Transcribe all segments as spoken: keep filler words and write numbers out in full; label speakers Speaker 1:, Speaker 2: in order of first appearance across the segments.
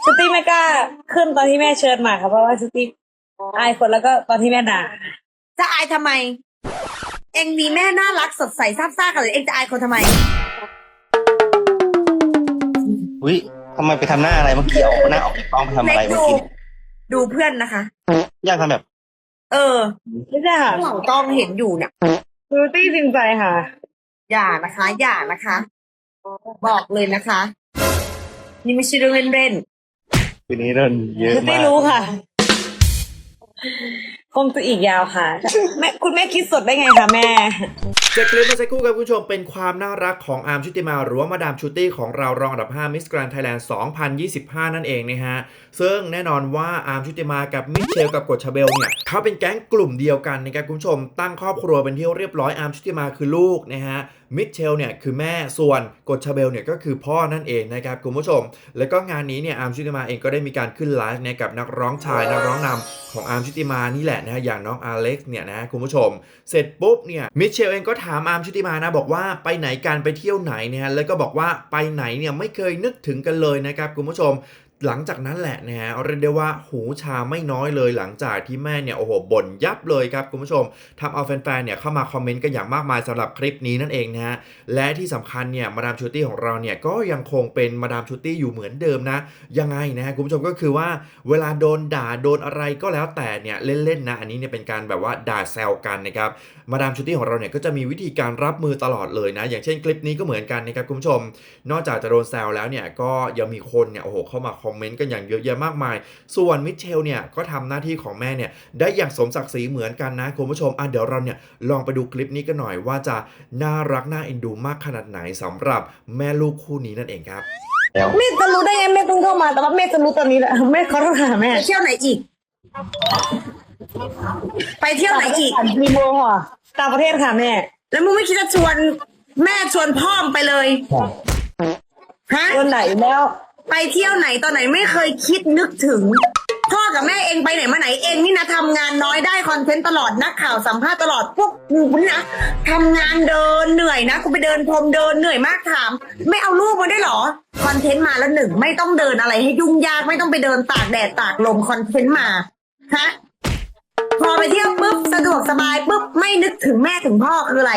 Speaker 1: สตีไม่กล้าขึ้นตอนที่แม่เชิญมาค่ะเพราะว่าสตีอายคนแล้วก็ตอนที่แม่ด่า
Speaker 2: จะอายทำไมเองมีแม่น่ารักสดใสซาบซ่ากันเลยเองจะอายคนทำไม
Speaker 3: อุ้ยทำไมไปทำหน้าอะไรเมื่อกี้เอาหน้าออกจากกล้องไปทำอะไรเมื่อกี้
Speaker 2: ดูเพื่อนนะคะ
Speaker 3: อยากทำแบบ
Speaker 2: เออ
Speaker 1: ไม่ใช่ค่ะ
Speaker 2: หลังกล้องเห็นอยู่เนี่ย
Speaker 1: สตีจริงใจค่ะ
Speaker 2: อย่านะคะ อย่านะคะ บอกเลยนะคะ นี่ไม่ใช่เรื่องเล่น
Speaker 3: ๆทีนี้เรื่องเยอะมาก
Speaker 1: ไม่รู้ค่ะคงจะอีกยาวค่ะแม่คุณแม่คิดสดได้ไงคะแม่
Speaker 4: จากคลิปเมื่อสักครู่ครับคุณผู้ชมเป็นความน่ารักของอาร์มชุติมาหรือว่ามาดามชูตี้ของเรารองอันดับห้า Miss Grand Thailand สองพันยี่สิบห้านั่นเองนะฮะซึ่งแน่นอนว่าอาร์มชุติมากับมิเชลกับกฎชาเบลเนี่ยเขาเป็นแก๊งกลุ่มเดียวกันนะครับคุณผู้ชมตั้งครอบครัวเป็นที่เรียบร้อยอาร์มชุติมาคือลูกนะฮะมิเชลเนี่ยคือแม่ส่วนกฎชาเบลเนี่ยก็คือพ่อนั่นเองนะครับคุณผู้ชมแล้วก็งานนี้เนี่ยอาร์มชุติมาเองก็ได้มีการขึ้นไลฟ์เนี่ยกับนักร้องชายนักร้องนำของอาร์มชุติมานี่แหละนะฮะอย่างน้องอเล็กซ์เนี่ยนะคุณผู้ชมเสร็จปุ๊บเนี่ยมิเชลเองก็ถามอาร์มชุติมานะบอกว่าไปไหนกันไปเที่ยวไหนเนี่ยแล้วก็บอกว่าไปไหนเนี่ยไม่เคยนึกถึงกันเลยนะครับคุณผู้ชมหลังจากนั้นแหละนะฮะเรียกได้ว่าหูชาไม่น้อยเลยหลังจากที่แม่เนี่ยโอ้โหบ่นยับเลยครับคุณผู้ชมทำเอาแฟนๆเนี่ยเข้ามาคอมเมนต์กันอย่างมากมายสำหรับคลิปนี้นั่นเองนะฮะและที่สำคัญเนี่ยมาดามชูตี้ของเราเนี่ยก็ยังคงเป็นมาดามชูตี้อยู่เหมือนเดิมนะยังไงนะฮะคุณผู้ชมก็คือว่าเวลาโดนด่าโดนอะไรก็แล้วแต่เนี่ยเล่นๆนะอันนี้เนี่ยเป็นการแบบว่าด่าแซวกันนะครับมาดามชูตี้ของเราเนี่ยก็จะมีวิธีการรับมือตลอดเลยนะอย่างเช่นคลิปนี้ก็เหมือนกันนะครับคุณผู้ชมนอกจากจะโดนแซวแล้วเนี่ยก็ยังมีคนเนี่ยโอ้โหเข้ามาคอมเมนต์กันอย่างเยอะแยะมากมายส่วนมิเชลเนี่ยก็ทำหน้าที่ของแม่เนี่ยได้อย่างสมศักดิ์ศรีเหมือนกันนะคุณผู้ชมอ่ะเดี๋ยวเราเนี่ยลองไปดูคลิปนี้กันหน่อยว่าจะน่ารักน่าเอ็นดูมากขนาดไหนสำหรับแม่ลูกคู่นี้นั่นเองครับ
Speaker 1: แม่จะรู้ได้ไงแม่เพิ่งเข้ามาแต่ว่าแม่จะรู้ตอนนี้แหละแม่ขอโทษค่ะแม่
Speaker 2: ไปเที่ยวไหนอีกไปเที่ยวไหนอีก
Speaker 1: มีโมค่ะต่างประเทศค่ะแม่
Speaker 2: แล้วมึงไม่คิดจะชวนแม่ชวนพ่อมไปเลยฮะ
Speaker 1: วันไหนแล้ว
Speaker 2: ไปเที่ยวไหนตอนไหนไม่เคยคิดนึกถึงพ่อกับแม่เองไปไหนมาไหนเองนี่นะทำงานน้อยได้คอนเทนต์ตลอดนักข่าวสัมภาษณ์ตลอดพวกกูนี่นะทำงานเดินเหนื่อยนะกูไปเดินพรมเดินเหนื่อยมากถามไม่เอาลูกมาได้หรอคอนเทนต์มาแล้วหนึ่งไม่ต้องเดินอะไรให้ยุ่งยากไม่ต้องไปเดินตากแดดตากลมคอนเทนต์มาฮะพอไปเที่ยวปุ๊บสะดวกสบายปุ๊บไม่นึกถึงแม่ถึงพ่อคืออะไร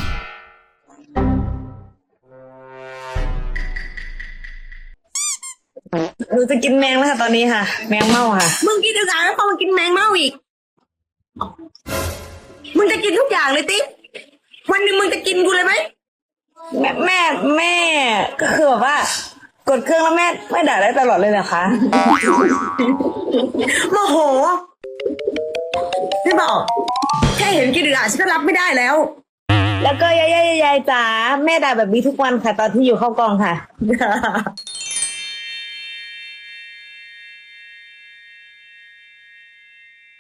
Speaker 1: หนูจะกินแมงแล้วค่ะตอนนี้ค่ะแมงเม่าค่ะ
Speaker 2: มึงกินทุกอย่างแล้วพอมึงกินแมงเม่าอีกมึงจะกินทุกอย่างเลยติ๊กวันหนึ่งมึงจะกินกูเลยไหม
Speaker 1: แม่แม่แม่ก็คือแบบว่ากดเครื่องแล้วแม่ไม่ด่าได้ตลอดเลยนะคะ
Speaker 2: โมโหไม่บอกแค่เห็นกินทุกอย่างฉันก็รับไม่ได้แล้ว
Speaker 1: แล้วก็ยายยายยายจ๋าแม่ด่าแบบนี้ทุกวันค่ะตอนที่อยู่เข้ากองค่ะ